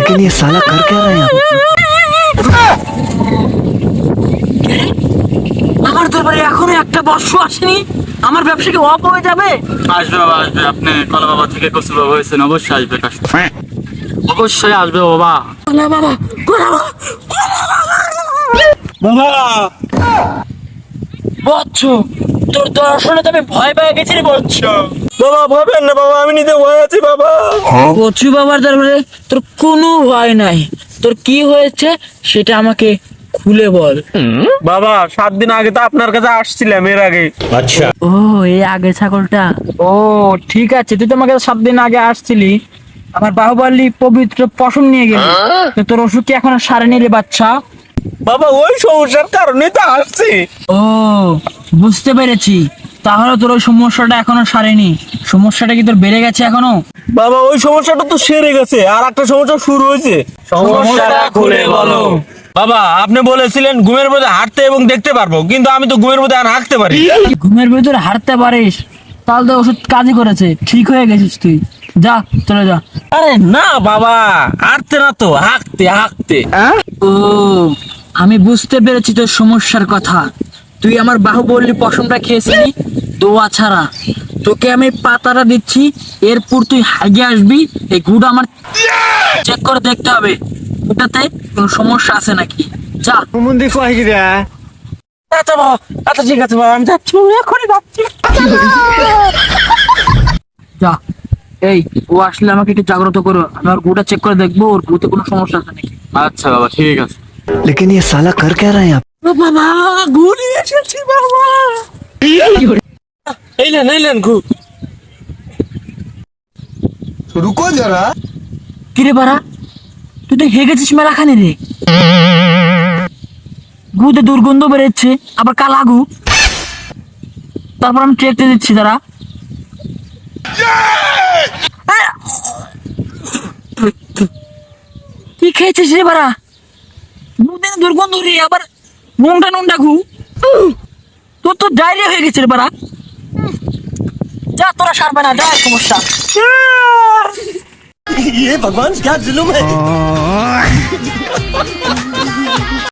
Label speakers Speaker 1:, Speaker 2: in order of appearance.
Speaker 1: लेकिन ये साला कर क्या रहा है यहाँ पे?
Speaker 2: আমার দরবারে এখনো একটা বর্ষ আসেনি, আমার ব্যবসা কি অফ হয়ে যাবে?
Speaker 3: আসবে বাবা আসবে, আপনি কলা বাবা থেকে কচু বাবা হয়েছেন, অবশ্যই আসবে কাস্টমার, অবশ্যই আসবে বাবা।
Speaker 2: না বাবা,
Speaker 3: বাবা
Speaker 2: বচ্চ, তোর দর্শনে তো আমি ভয় পেয়ে গেছি রে বচ্চ।
Speaker 3: বাবা ভয় পেন না বাবা, আমি নিজে ভয় আছি বাবা।
Speaker 2: কচু বাবার দরবারে তোর কোনো ভয় নাই, তোর কি হয়েছে সেটা আমাকে খুলে বল।
Speaker 3: বাবা 7 দিন আগে তো আপনার কাছে আসছিলাম, এর আগে।
Speaker 2: ও এই আগে ছাগলটা, ও ঠিক আছে, তুই তো আমাকে 7 দিন আগে আসছিলি, আমার বাহুবলী পবিত্র পশম নিয়ে গেলি, তো তোর অসুখ কি এখনো সারেনি রে বাচ্চা?
Speaker 3: বাবা ওই সমস্যার কারণে তো আসছি।
Speaker 2: ও বুঝতে পেরেছি, তাহলে তোর ওই সমস্যাটা এখনো সারেনি, সমস্যাটা কি তোর বেড়ে গেছে এখনো?
Speaker 3: বাবা ওই সমস্যাটা তো সেরে গেছে, আর একটা সমস্যা শুরু হয়েছে।
Speaker 2: সমস্যাটা খুলে বলো।
Speaker 3: বাবা আপনি বলেছিলেন ঘুমের মধ্যে হাঁটতে এবং দেখতে পারবো, কিন্তু আমি তো ঘুমের মধ্যে আর হাঁটতে পারি।
Speaker 2: ঘুমের ভিতরে হাঁটতে পারিস, তাহলে তো ওষুধ কাজই করেছে, ঠিক হয়ে গেছিস তুই, যা চলে যা।
Speaker 3: আরে না বাবা, হাঁটতে না তো, হাঁকতে হাঁকতে।
Speaker 2: ও আমি বুঝতে পেরেছি তোর সমস্যার কথা, তুই আমার বাহুবলী পশমটা খেয়েছিলি দোয়া ছাড়া, তোকে আমি পাতাটা দিচ্ছি, এরপর তুই হাগে আসবি, এই গুড় আমার চেক করে দেখতে হবে ওটাতে কোনো সমস্যা আছে নাকি, যা।
Speaker 3: আচ্ছা বাবা, আচ্ছা ঠিক আছে বাবা, আমি যাচ্ছি, এখনই যাচ্ছি।
Speaker 2: যা, এই ও আসলে আমাকে একটু জাগ্রত করো, আমি ওর গুড়টা চেক করে দেখবো ওর গুড়তে কোনো সমস্যা আছে নাকি।
Speaker 3: আচ্ছা বাবা ঠিক আছে।
Speaker 1: लेकिन ये साला कर क्या रहा है यहाँ पे?
Speaker 2: ও বাবা, গুড় এসেছি বাবা।
Speaker 3: এইলেন ঘু।
Speaker 1: रुको जरा।
Speaker 2: কিরে বাড়া, তুই তো হেগেছিস মেলাখানে রে, গুতে দুর্গন্ধ বেরোচ্ছে, আবার কালা গু, তারপর আমি ট্রেকতে দিচ্ছি তারা। কি খেয়েছিস রে বাড়া, দুদিন দুর্গন্ধ রে, আবার নুনটা গু, তোর তো ডায়রিয়া হয়ে গেছে রে বাড়া, যা তোরা সারবে না, যা সমস্যা।
Speaker 1: ये भगवान क्या जुलुम है?